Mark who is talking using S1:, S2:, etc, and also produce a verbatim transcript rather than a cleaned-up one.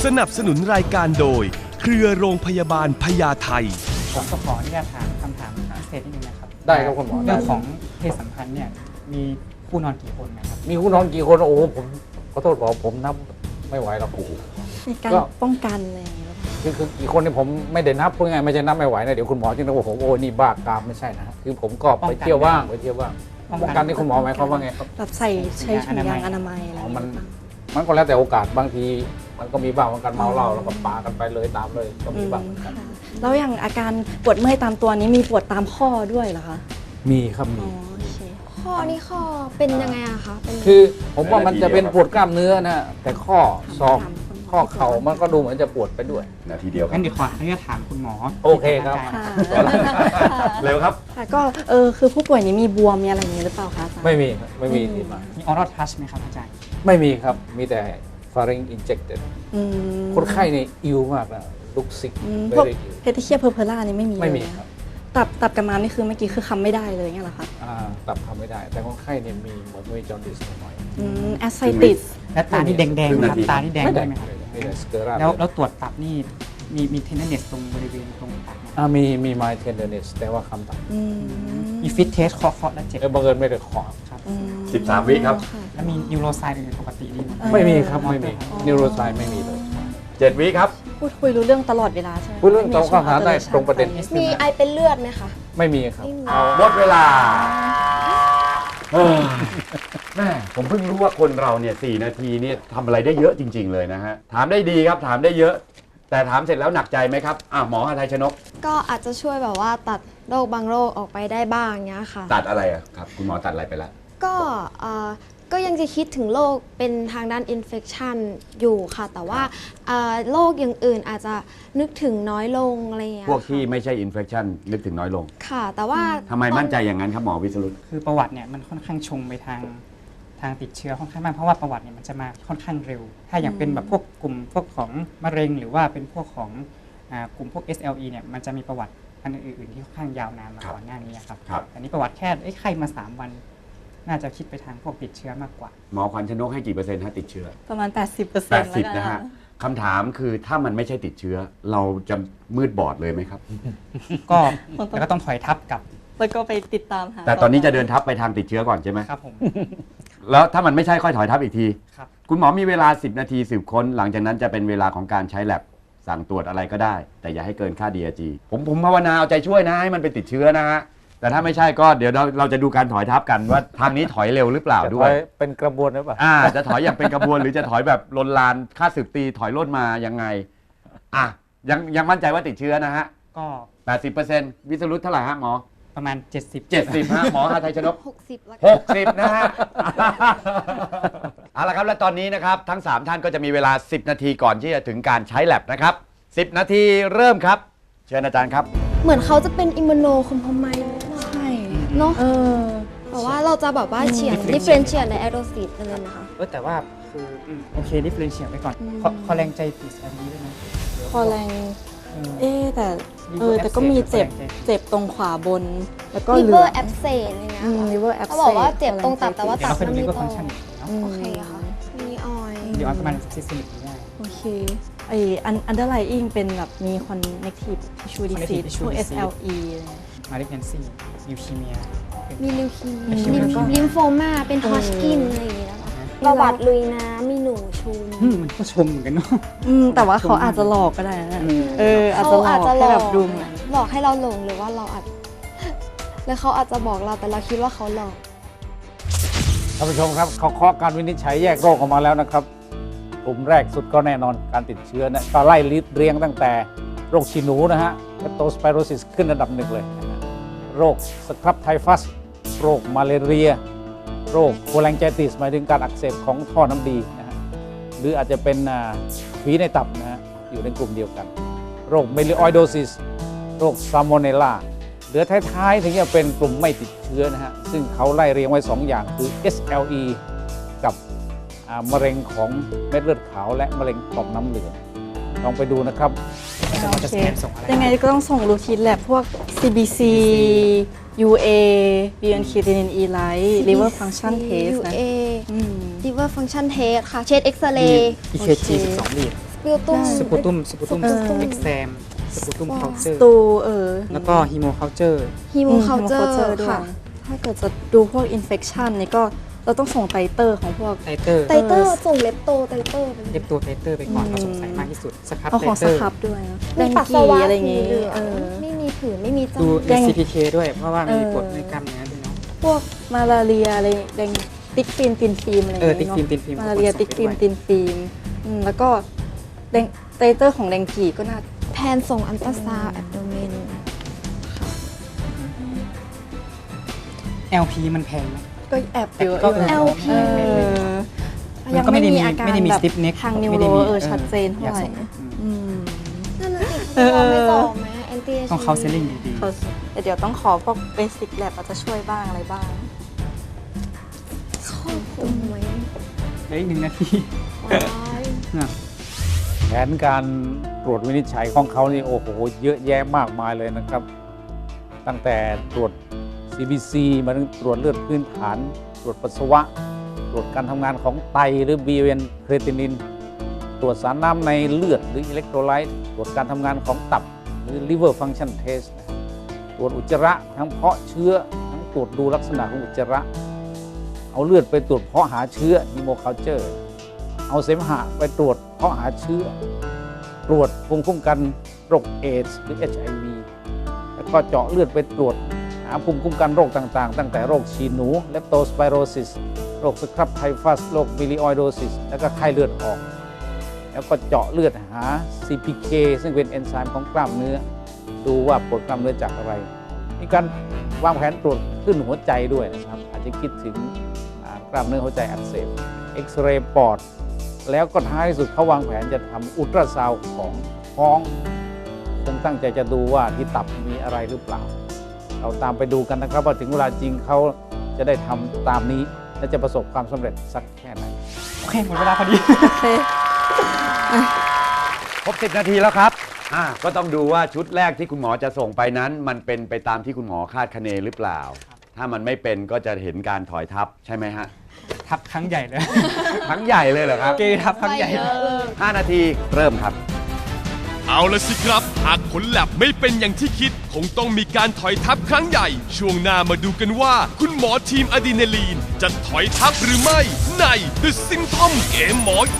S1: สนับสนุนรายการโดยเครือโรงพยาบาลพญาไท
S2: ผมก็ขออนุญาตถามคำถามเศษนิดนึงนะครับ
S3: ได้ครับคุณหมอ
S2: เรื่องของเพศสัมพันธ์เนี่ยมีคู่นอนกี่คนนะครับ
S3: มีคู่นอนกี่คนโอ้โหผมขอโทษบอกผมนับไม่ไหวหรอกโอ้โห
S4: ในการ
S3: ก็
S4: ป้องกันอะไรอย่างเงี้ยหรือเปล่า
S3: คือคือกี่คนเนี่ยผมไม่ได้นับพูดง่ายๆไม่ใช่นับไม่ไหวนะเดี๋ยวคุณหมอจึงจะบอกผมโอ้นี่บ้ากามไม่ใช่นะคือผมก็ไปเที่ยวว่างไปเที่ยวว่างป้องกันนี่คุณหมอหมายความว่าไงครับ
S4: แบบใส่ใช้ถุงยางอนามัยอะไรอ
S3: อ๋อย่าง มั
S4: เงี้
S3: น
S4: ย
S3: มันก็แล้วแต่โอกาสบางทีมันก็มีบ้างบางการเมาเหล้าแล้วก็ปากันไปเลยตามเลยก็มีบ้าง
S4: อืมค่ะแล้วอย่างอาการปวดเมื่อยตามตัวนี้มีปวดตามข้อด้วยเหรอคะ
S3: มีครับ
S4: อ๋
S3: มี
S4: อโอเค
S5: ข้อนี่ข้อเป็นยังไงอะคะเป็น
S3: คือผมว่ามันจะเป็นปวดกล้ามเนื้อนะแต่ข้อศอกข้อเข่ามันก็ดูเหมือนจะปวดไปด้วย
S6: นาทีเดียวครั
S2: งั้
S6: บ
S2: นเดี๋ยวขออนุญาตถามคุณหมอ
S3: โอเคครับ
S4: ค่ะ
S6: เร็วครับ
S4: ค่ะก็เออคือผู้ป่วยนี้มีบวมมีอะไรอย่างเงี้ยหรือเปล่าคะอาจารย์
S3: ไม่มีครับไม่มีที่มา
S2: มีออร์ทัชไหมครับอาจารย์
S3: ไม่มีครับมีแต่ pharynx injected
S4: อืม
S3: คนไข้เนี่ยอิวมากนะลุกซิก
S4: อืม
S3: เบ
S4: พวก
S3: รี่อิว
S4: เพทิเชียเพอร์เพล่านี่ไม่มี
S3: ไม่มี
S4: เลย
S3: ครับ
S4: ตับตับกระมามนี่คือเมื่อกี้คือคำไม่ได้เลยเงี้ยเหรอคะ
S3: อ่าตับทำไม่ได้ แต่คนไข้เนี่ยมีเหมือนมีจอร์ดิสหน่อย
S4: อืมแอสไซติส
S2: และตานี่แดงๆไหมครับ
S6: ครึ่งนาที
S2: ตานี่แดง
S3: ไม่
S2: ได้
S3: ได้
S2: ไหมครับ
S3: มีแต่สเกอรา
S2: แล้วแล้วตรวจตับนี่มีมีเทนเนสตรงบริเวณตรงตับไหม
S3: อ่ามีมี my tenderness แต่ว่าคำตับ
S4: อืม
S2: มีฟิตเทสเคาะเคาะแล้วเจ็บ
S3: เออบังเอิญไม่ได้ขอ
S2: ครับ
S4: อืม
S6: สิบสามวิครับ
S4: ะ
S2: แล้วมีนิวโรไซด์อื่นปกติดีไหม
S4: เออ
S3: ไม่มีครับไม่มี
S4: อ๋อ
S3: นิวโรไซไม่มีเลย
S6: เจ็ดวิครับ
S4: พูดคุยรู้เรื่องตลอดเวลาใช่ไหม
S3: พูดเรื่องตรงข้อหาได้ตรงประเด็น
S5: มีไอเป็นเลือดไหมคะ
S3: ไม่มีครับ
S5: ไม่มี
S6: หมดเวลาเออแม่ผมเพิ่งรู้ว่าคนเราเนี่ยสี่นาทีเนี่ยทำอะไรได้เยอะจริง ๆ เลยนะฮะ ถามได้ดีครับ ถามได้เยอะ แต่ถามเสร็จแล้วหนักใจไหมครับอ่ะหมอหาไทยชนก
S5: ก็อาจจะช่วยแบบว่าตัดโรคบางโรคออกไปได้บ้างเงี้ยค่ะ
S6: ตัดอะไรอะครับ คุณหมอตัดอะไรไปแล้ว
S5: ก็เอ่อก็ยังจะคิดถึงโรคเป็นทางด้านอินเฟ t ชันอยู่ค่ะ แต่ว่าเอ่อโรคอย่างอื่นอาจจะนึกถึงน้อยลงอะไรอย่างเงี้ย
S6: พวกที่
S5: ค่ะ
S6: ไม่ใช่อินเฟ t ชันนึกถึงน้อยลง
S5: ค่ะ แต่ว่า
S6: ทำไมมั่นใจอย่างนั้นครับหมอวิสรุต
S2: คือประวัติเนี่ยมันค่อนข้างชงไปทางทางติดเชื้อค่อนข้างมากเพราะว่าประวัติเนี่ยมันจะมาค่อนข้างเร็ว ถ้าอย่างเป็นแบบพวกกลุ่มพวกของมะเร็งหรือว่าเป็นพวกของอ่ากลุ่มพวก เอส แอล อี เนี่ยมันจะมีประวัติอันอื่นๆที่ค่อนข้างยาวนานมา
S6: ครับ
S2: ก่อนหน้านี้ครับ
S6: ครับ
S2: อันนี้ประวัติแค่เอ้ยไข้มาสามวัน น่าจะคิดไปทางพวกติดเชื้อมากกว่า
S6: หมอขวัญชนกให้กี่เปอร์เซ็นต์ฮะติดเชื้อ
S4: ประมาณ แปดสิบเปอร์เซ็
S6: แป
S4: น
S6: ด
S4: ต์
S6: สิบนะฮะคำถามคือถ้ามันไม่ใช่ติดเชื้อ เราจะมืดบอดเลยไหมครับ
S2: ก็แล้วก็ต้องถอยทับกับ
S4: แล้วก็ไปติดตามหา
S6: แต่ตอนนี้จะเดินทับไปทางติดเชื้อก่อนใช่ไหม
S2: ครับผม
S6: แล้วถ้ามันไม่ใช่ค่อยถอยทับอีกที
S2: ครับ
S6: คุณหมอมีเวลา สิบ นาทีสืบค้น หลังจากนั้นจะเป็นเวลาของการใช้แลบสั่งตรวจอะไรก็ได้ แต่อย่าให้เกินค่า ดี อาร์ จี ผมผมภาวนาเอาใจช่วยนะให้มันไปติดเชื้อนะฮะ แต่ถ้าไม่ใช่ก็เดี๋ยวเราเราจะดูการถอยทับกันว่าทางนี้ถอยเร็วหรือเปล่า
S3: จะ
S6: ด้
S3: ถ
S6: ว
S3: อย ยเป็นกระบวนหรือเปล่า
S6: อ่าจะถอยอย่างเป็นกระบวนหรือจะถอยแบบลนลานค่าสืบตีถอยร่นมายังไงอ่ะยังยังมั่นใจว่าติดเชื้อนะฮะ
S2: ก็
S6: แปดสิบเปอร์เซ็นต์ วิสรุตเท่าไหร่ฮะหมอ
S2: ประมาณ เจ็ดสิบ
S6: เจ็ดสิบฮะหมอหาไทยชนก
S5: หกสิบแล้ว
S6: หกสิบนะฮะ เอาละครับและตอนนี้นะครับทั้งสามท่านก็จะมีเวลาสิบนาทีก่อนที่จะถึงการใช้แลบนะครับสิบนาทีเริ่มครับ เชิญอาจารย์ครับ
S5: เหมือนเขาจะเป็นอิมมูโนคอมพไมล์
S4: ใช่
S5: เนาะ
S4: เออ
S5: แต่ว่าเราจะแบบว่าเฉียนดิเฟรนเชียในแอโรซิตเลยนะคะ
S2: เออแต่ว่าคืออืมโอเคดิฟเฟรนเชียลไปก่อน
S4: อืม
S2: ขอขอแรงใจติดอันนี้ด้วยนะ
S4: คอแรง
S2: เออ
S4: เอ๊ะแต่เออ
S2: Liver
S4: แต่ก็มีเจ็บ
S2: abscess
S4: เจ็บตรงขวาบน แล้วก็
S5: ลิ
S4: เหลื
S5: เวอ
S4: อ
S5: ร์แอบเซนอะไรเงี้ย
S4: อืม
S5: ค่ะ
S4: liver abscess
S5: เขาบอกว่าเจ็บตรงตับแต่ว่า
S2: เดี๋ยว
S5: ตับ
S2: เราเคย
S5: มัน
S2: ดู
S5: ไม่
S2: ลิเวอร์
S5: โต
S2: ฟังก์ชันเนาะ
S4: อืม
S5: โอเคค่ะมีออยล์
S2: เดี๋ยวออนประมาณซิสติกได้
S4: โอเคไออัน underlying เป็นแบบมี connective tissue disease
S2: Connective tissue
S4: พวก
S2: disease
S4: เอส แอล อี
S2: มาริเกนซี่นิวคีเมีย
S5: มีลิวคีเมี
S4: อื
S5: ย
S4: ม
S5: ลิม
S4: แล้วก็
S5: ลิมโฟมาเป็นฮอชกินอะไรอย่างเงี้ยนะคะประวัติลุยน้ำมีหนูชุม
S2: อืมมันก็ชมเหมือนกันเนาะ
S4: อืมแต่ว่าเขาอาจจะหลอกก็ได้นะเอออาจจะ
S5: เขา
S4: หลอ
S5: อาจ
S4: ก
S5: จะหล
S4: ให้
S5: อ
S4: แบ
S5: ก
S4: บดูเหมือน
S5: หลอกให้เราหลงหรือว่าเราอาจ แล้วเขาอาจจะบอกเราแต่เราคิดว่าเขาหลอก
S3: ท่านผู้ชมครับเขาเคาะการวินิจฉัยแยกโรคออกมาแล้วนะครับกลุ่มแรกสุดก็แน่นอนการติดเชื้อนะก็ไล่เรียงตั้งแต่โรคฉี่หนูนะฮะเ e ปโตสไปโรซิสขึ้นอันดับหนึ่งเลยนะฮะโรคสครับไทฟัสโรคมาเลเรีย โรคโคแลงไจติสหมายถึงการอักเสบของท่อน้ำดีนะฮะหรืออาจจะเป็นฝีในตับนะฮะอยู่ในกลุ่มเดียวกัน โรคเมลิออยโดซิสโรคซาโมเนลลาเหลือท้ายๆถึงจะเป็นกลุ่มไม่ติดเชื้อนะฮะซึ่งเขาไล่เรียงไว้สองอย่างคือ เอส แอล อี กับอ่ามะเร็งของเม็ดเลือดขาวและมะเร็งต่อมน้ำเหลืองลองไปดูนะครับ
S2: จะ
S4: โอ
S2: จะ
S4: เค
S2: สแกนส่งอะไร
S4: ยังไงก็ต้องส่งรูทีนแลบพวก ซี บี ซี ยู เอ บี เอ็น creatinine E light liver function test นะ
S5: ยู เอ
S4: อืม
S5: liver function test ค่ะ เช็ดเอ็กซเรย์
S2: อีเคจีสิบสองลีด
S5: ปิวตุ้ม
S2: สปูตุมสปูตุม
S4: เออ
S2: เอ็กซมสปูตุมเคาเจอร์
S4: ตูเออ
S2: แล้วก็ฮีโมเคาเจอร์
S5: ฮีโมเคาเจอ
S4: อืม
S5: ร์
S4: ด้วย
S5: ค่ะ
S4: ถ้าเกิดจะดูพวก infection นี่ก็เราต้องส่งไตเตอร์ของพวก
S2: ไตเตอร์
S5: ไตเตอร์ส่งเล็บโตไตเตอร์ไป
S2: เล็บตัวไตเตอร์ไปก่อน
S4: อืม
S2: เราสงสัยมากที่สุดสครับ
S4: เอา
S2: ไต
S4: ของ
S2: เต
S4: ส
S2: อร์
S4: ครับด้วยนะแด
S5: มี
S4: ง
S5: ปัส
S4: กี
S5: สาวะ
S4: อะไร
S5: สี
S4: เงี้ย
S5: เหลือง
S4: เออ
S5: ไม่มีผื่นไม่มีจา
S2: ดู
S5: ม
S4: แดง
S2: ซี พี เค ด้วยเพราะว่ามี
S4: เออ
S2: กรดในกล้ามเนื้อด้วยเนาะ
S4: พวกมาลาเรียอะไรแดงติ๊กฟิล์มตินฟิล์มอะไร
S2: เออ
S4: เงี้ย
S2: ติ๊กฟิล์มตินฟิล์ม
S4: มาลาเรีย
S2: ส่งไป
S4: ติ๊กฟิล์ม
S2: ด้วย
S4: ตินฟิล์มอืมแล้วก็แดงไตเตอร์ของแดงกีก็น่า
S5: แพนส่งอันตราซาวด์แอบโดเมน
S2: แอล พี มันแพงไหม
S4: ก็แอบเยอะ
S2: ก็
S4: อยู่นะ
S5: แอล พี
S4: เออ
S2: มันก็ไม่ได้มี
S4: อาการ
S2: ไม่ได้มี
S4: แบบ
S2: stiff neck
S4: ทางนิว
S2: ไม่
S4: โร
S2: ได้มี
S4: เออ
S2: เออ
S4: ชัดเจนเท่าไหร่
S2: อยากส่งอืม
S4: อืม
S5: นั่นน่ะสิเขาไม่ต่อไหมแอนตี้
S2: ต้องเข้าเซลลิ่งดี
S4: เขาแต่เดี๋ยวต้องขอพวกเบสิกแลบอาจจะช่วยบ้างอะไรบ้าง
S5: ครอบคลุมไหม
S2: ๆเหลืออีกหนึ่งนาที
S5: ว้าย
S3: แผนการตรวจวินิจฉัยของเขานี่โอ้โหเยอะแยะมากมายเลยนะครับ ตั้งแต่ตรวจ ซี บี ซี มาถึงตรวจเลือดพื้นฐาน ตรวจปัสสาวะ ตรวจการทำงานของไตหรือ บี เอ็น เครตินิน ตรวจสารน้ำในเลือดหรืออิเล็กโทรไลต์ตรวจการทำงานของตับหรือ liver function test ตรวจอุจจาระทั้งเพาะเชื้อทั้งตรวจดูลักษณะของอุจจาระ เอาเลือดไปตรวจเพาะหาเชื้อ hemoculture เอาเสมหะไปตรวจเพาะหาเชื้อ ตรวจภูมิคุ้มกันโรคเอดส์หรือ เอช ไอ วี แล้วก็เจาะเลือดไปตรวจหาภูมิคุ้มกันโรคต่างๆ ตั้งแต่โรคฉี่หนู เลปโตสไปโรซิส โรคสครับไทฟัส โรคบิลิออยโดซิส แล้วก็ไข้เลือดออก แล้วก็เจาะเลือดหา ซี พี เค ซึ่งเป็นเอนไซม์ของกล้ามเนื้อ ดูว่าปวดกล้ามเนื้อจากอะไร มีการวางแผนตรวจขึ้นหัวใจด้วยนะครับ อาจจะคิดถึงอ่ากล้ามเนื้อหัวใจอักเสบ เอ็กซเรย์ปอด แล้วก็ท้ายที่สุดเขาวางแผนจะทำอุลตราซาวด์ของท้องคงตั้งใจจะดูว่าที่ตับมีอะไรหรือเปล่า เราตามไปดูกันนะครับว่าถึงเวลาจริงเขาจะได้ทำตามนี้ และจะประสบความสำเร็จสักแค่ไหน
S2: โอเค หมดเวลาพอดี
S4: โอเค
S6: ครบสิบนาทีแล้วครับอ่าก็ต้องดูว่าชุดแรกที่คุณหมอจะส่งไปนั้น มันเป็นไปตามที่คุณหมอคาดคะเนหรือเปล่า ถ้ามันไม่เป็นก็จะเห็นการถอยทับใช่ไหมฮะ
S2: ทับครั้งใหญ่เลย
S6: ทั้งใหญ่เลยเหรอครับ
S2: เกย์ทับครั้งใหญ่เลย
S6: ห้านาทีเริ่มครับ
S1: เอาละสิครับ หากผลแลบไม่เป็นอย่างที่คิด คงต้องมีการถอยทับครั้งใหญ่ ช่วงหน้ามาดูกันว่า คุณหมอทีมอะดรีนาลีน จะถอยทับหรือไม่ ใน The Symptom เกมหมอ